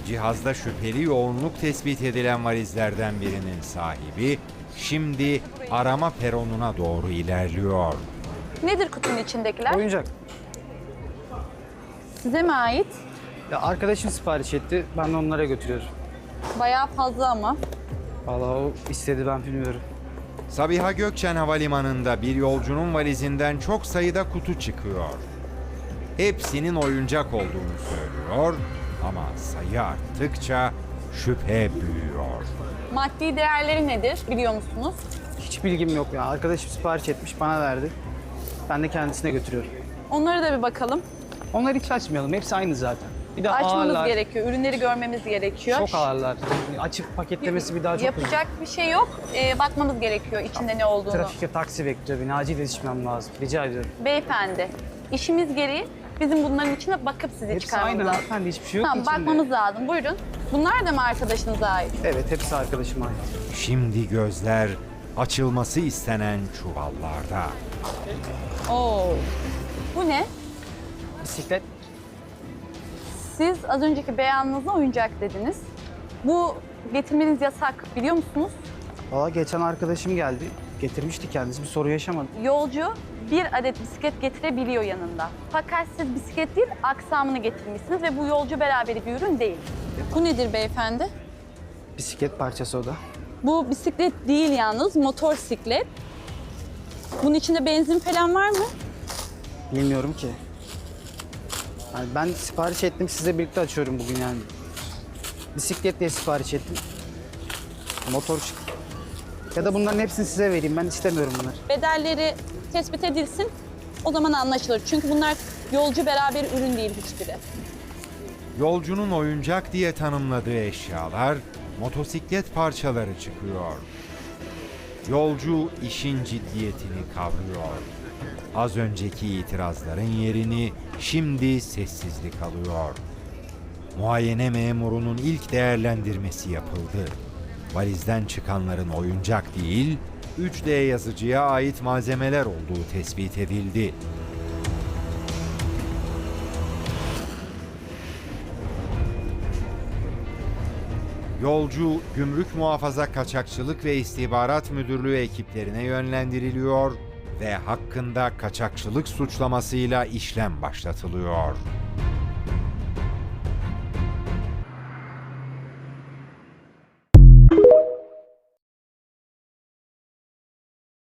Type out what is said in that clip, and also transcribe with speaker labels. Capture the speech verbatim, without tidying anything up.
Speaker 1: Cihazda şüpheli yoğunluk tespit edilen valizlerden birinin sahibi şimdi arama peronuna doğru ilerliyor.
Speaker 2: Nedir kutunun içindekiler?
Speaker 3: Oyuncak.
Speaker 2: Size mi ait?
Speaker 3: Ya arkadaşım sipariş etti. Ben de onlara götürüyorum.
Speaker 2: Bayağı fazla ama.
Speaker 3: Vallahi o istedi, ben bilmiyorum.
Speaker 1: Sabiha Gökçen Havalimanı'nda bir yolcunun valizinden çok sayıda kutu çıkıyor. Hepsinin oyuncak olduğunu söylüyor ama sayı arttıkça şüphe büyüyor.
Speaker 2: Maddi değerleri nedir biliyor musunuz?
Speaker 3: Hiç bilgim yok ya. Arkadaşım sipariş etmiş, bana verdi. Ben de kendisine götürüyorum.
Speaker 2: Onlara da bir bakalım.
Speaker 3: Onları hiç açmayalım. Hepsi aynı zaten. Bir de
Speaker 2: Açmamız
Speaker 3: ağırlar.
Speaker 2: gerekiyor. Ürünleri görmemiz gerekiyor.
Speaker 3: Çok ağırlar. Açıp paketlemesi bir daha çok uzun.
Speaker 2: Yapacak bir şey yok. Ee, bakmamız gerekiyor içinde ne olduğunu.
Speaker 3: Trafikte taksi bekliyor beni. Acil yetişmem lazım. Rica ediyorum.
Speaker 2: Beyefendi, işimiz gereği bizim bunların içine bakıp sizi
Speaker 3: Hepsi
Speaker 2: çıkarmamız
Speaker 3: aynı
Speaker 2: lazım.
Speaker 3: hanımefendi. Hiçbir şey yok
Speaker 2: Tamam,
Speaker 3: ki içinde.
Speaker 2: bakmamız lazım. Buyurun. Bunlar da mı arkadaşınıza ait?
Speaker 3: Evet, hepsi arkadaşıma ait.
Speaker 1: Şimdi gözler açılması istenen çuvallarda.
Speaker 2: Oo. Bu ne?
Speaker 3: Bisiklet.
Speaker 2: Siz az önceki beyanınızda oyuncak dediniz. Bu getirmeniz yasak biliyor musunuz?
Speaker 3: Valla geçen arkadaşım geldi. Getirmişti kendisi. Bir sorun yaşamadı.
Speaker 2: Yolcu bir adet bisiklet getirebiliyor yanında. Fakat siz bisiklet değil, aksamını getirmişsiniz ve bu yolcu beraberi bir ürün değil. Bu nedir beyefendi?
Speaker 3: Bisiklet parçası o da.
Speaker 2: Bu bisiklet değil yalnız, motosiklet. Bunun içinde benzin falan var mı?
Speaker 3: Bilmiyorum ki. Yani ben sipariş ettim, sizle birlikte açıyorum bugün yani. Bisiklet diye sipariş ettim. Motor çıktı. Ya da bunların hepsini size vereyim, ben istemiyorum bunları.
Speaker 2: Bedelleri tespit edilsin, o zaman anlaşılır. Çünkü bunlar yolcu beraber ürün değil hiçbiri.
Speaker 1: Yolcunun oyuncak diye tanımladığı eşyalar, motosiklet parçaları çıkıyor. Yolcu işin ciddiyetini kavrıyor. Az önceki itirazların yerini şimdi sessizlik alıyor. Muayene memurunun ilk değerlendirmesi yapıldı. Valizden çıkanların oyuncak değil, üç D yazıcıya ait malzemeler olduğu tespit edildi. Yolcu, Gümrük Muhafaza Kaçakçılık ve İstihbarat Müdürlüğü ekiplerine yönlendiriliyor ve hakkında kaçakçılık suçlamasıyla işlem başlatılıyor.